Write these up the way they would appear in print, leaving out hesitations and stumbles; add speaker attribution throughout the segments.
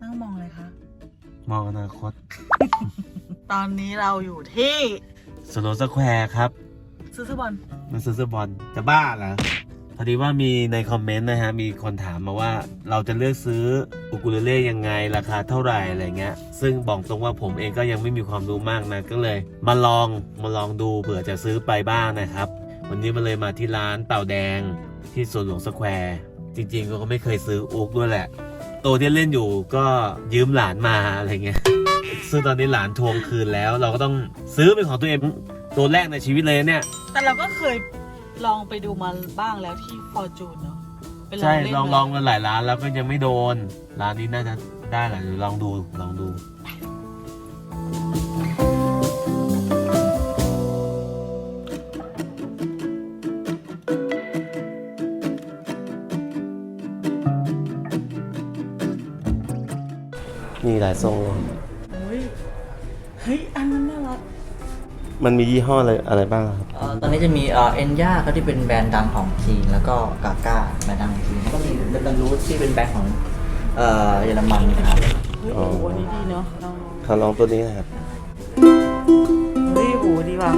Speaker 1: งมองอะไรคะ
Speaker 2: มองอนาคต
Speaker 1: ตอนนี้เราอยู่ที่
Speaker 2: สโลสแควร์ครับ
Speaker 1: ซื้อเสื้อบอล
Speaker 2: มันซื้อบอลจะบ้าเหรอพอดีว่ามีในคอมเมนต์นะฮะมีคนถามมาว่าเราจะเลือกซื้ออุกุเลเล่ยังไงราคาเท่าไหร่อะไรเงี้ยซึ่งบอกตรงว่าผมเองก็ยังไม่มีความรู้มากนะก็เลยมาลองดูเผื่อจะซื้อไปบ้างนะครับวันนี้มาเลยมาที่ร้านเต่าแดงที่สวนหลวงสแควร์จริงๆก็ไม่เคยซื้ออุกด้วยแหละตัวที่เล่นอยู่ก็ยืมหลานมาอะไรเงี้ยซึ่งตอนนี้หลานทวงคืนแล้วเราก็ต้องซื้อเป็นของตัวเองตัวแรกในชีวิตเลยเนี่ย
Speaker 1: แต่เราก็เคยลองไปดูมาบ้างแล้วที่ฟอร์จูนเนาะ
Speaker 2: ใช่ลองกันหลายร้านแล้วก็ยังไม่โดนร้านนี้น่าจะได้แหละลองดูมีหลายทรง
Speaker 1: เฮ้ยอันนั้นน่ารัก
Speaker 2: มันมียี่ห้ออะไรบ้างครับ
Speaker 3: ตอนนี้จะมีเอ็นย่าเขาที่เป็นแบรนด์ดังของจีนแล้วก็กาก้าแบรนด์ดังของจีนแล้วก็มีเบนรูทที่เป็นแบรนด์ของเยอรมันครับ
Speaker 1: โอ้โหนี่ดีเนาะ
Speaker 2: ลองตัวนี้นะครับ
Speaker 1: เฮ้ยโหดีว่ะ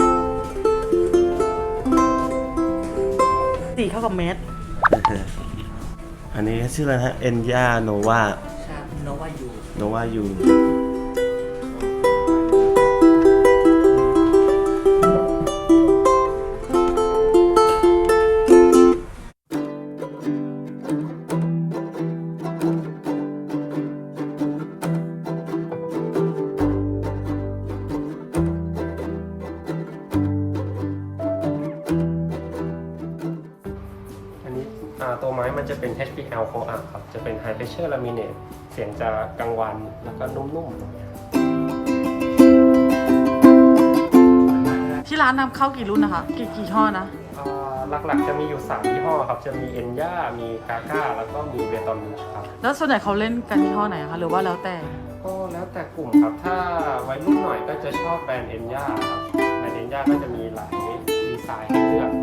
Speaker 1: สีเข้ากับเมส
Speaker 2: อันนี้ชื่ออะไรฮะเอ็นย่าโนวา
Speaker 3: ใช่โนวายู
Speaker 4: ตัวไม้มันจะเป็น HPL Coax ครับ จะเป็น High Pressure Laminate เสียงจะกังวานแล้วก็นุ่มๆตรงนี้
Speaker 1: ที่ร้านนำเข้ากี่รุ่นนะคะกี่ห้อนะ
Speaker 4: หลักๆจะมีอยู่3ยี่ห้อครับ จะมีเอ็นย่ามีกาก้าแล้วก็มีเบตอนมูชครับ
Speaker 1: แล้วส่วนใหญ่เขาเล่นกันยี่ห้อไหนคะหรือว่าแล้วแต่
Speaker 4: ก็แล้วแต่กลุ่มครับ ถ้าวัยรุ่นหน่อยก็จะชอบแบรนด์เอ็นย่าครับแบรนด์เอ็นย่าก็จะมีหลายดีไซน์ให้เลือก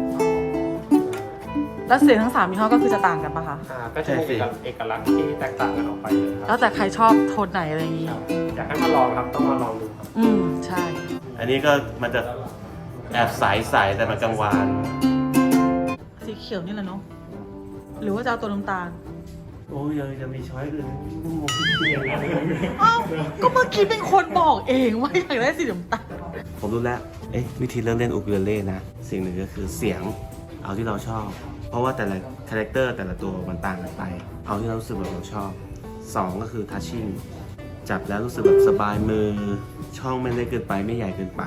Speaker 1: แล้วเสียงทั้ง3ยี่ห้อก็คือจะต่างกันปะคะ
Speaker 4: ก็จะมีเอกลักษณ์ที่แตกต่างกันออกไปเลยครับ
Speaker 1: แล้วแต่ใครชอบโทนไหนอะไรอย่างงี้
Speaker 4: อยากให้มาลองครับต้องมาลองดูครับ
Speaker 1: ใช่
Speaker 2: อันนี้ก็มันจะแอบใสแต่มันกังวาน
Speaker 1: สีเขียวนี่แหละเนาะหรือว่าจะเอาตัวน้ำตาล
Speaker 2: โอ้ยยังมีช้อยอื่น
Speaker 1: อ้าวก็เมื่อกี้เป็นคนบอกเองว่าอยากได้สีน้ำตาล
Speaker 2: ผมรู้แล้ววิธีเลือกเล่นอุคูเลเล่นะสิ่งหนึ่งก็คือเสียงเอาที่เราชอบเพราะว่าแต่ละคาแรคเตอร์แต่ละตัวมันต่างกันไปเอาที่เรารู้สึกแบบเราชอบ2ก็คือทัชชิ่งจับแล้วรู้สึกแบบสบายมือช่องไม่เล็กเกินไปไม่ใหญ่เกินไป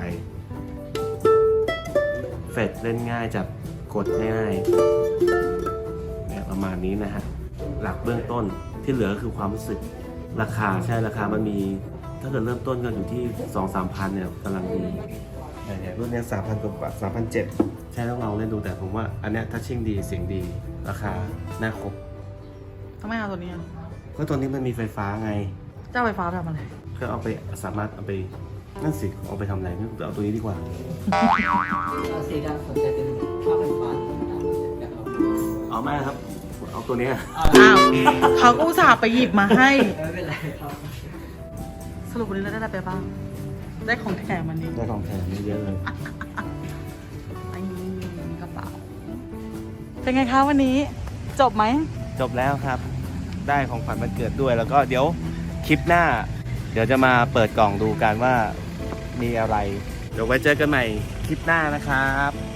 Speaker 2: เฟดเล่นง่ายจับกดง่ายแบบประมาณนี้นะฮะหลักเบื้องต้นที่เหลือก็คือความรู้สึกราคาใช่ราคามันมีถ้าเกิดเริ่มต้นก็อยู่ที่ 2-3 พันเนี่ยกำลังดีรุ่นนี้ 3,000 กว่า 3,700 ใช่ต้องลองเล่นดูแต่ผมว่าอันเนี้ยทัชชิ่งดีเสียงดีราคาน่าครบ
Speaker 1: ทำไมเอาตัวนี้
Speaker 2: ก็ตัวนี้มันมีไฟฟ้าไง
Speaker 1: เจ้าไฟฟ้าทำอะไร
Speaker 2: ก็เอาไปสามารถเอาไปนั่นสิเอาไปทำอะไรไม่เอาตัวนี้ดีกว่า
Speaker 3: สีดำสนใจเป็นภาพไฟฟ้า
Speaker 2: เอาไม่ครับเอาตัวนี้
Speaker 1: อ้าวเขาก็อุตส่าห์ไปหยิบมาให้
Speaker 3: ไม่เป็นไรครับ
Speaker 1: สรุปวันนี้เราได้อะไรไปบ้างได้ของแถมมันนี้
Speaker 2: ได้ของแถมเยอะเลย
Speaker 1: ไอ้กระเป๋าเป็นไงคะวันนี้จบไหม
Speaker 2: จบแล้วครับได้ของขวัญวันเกิดด้วยแล้วก็เดี๋ยวคลิปหน้าเดี๋ยวจะมาเปิดกล่องดูกันว่ามีอะไรเดี๋ยวไว้เจอกันใหม่คลิปหน้านะครับ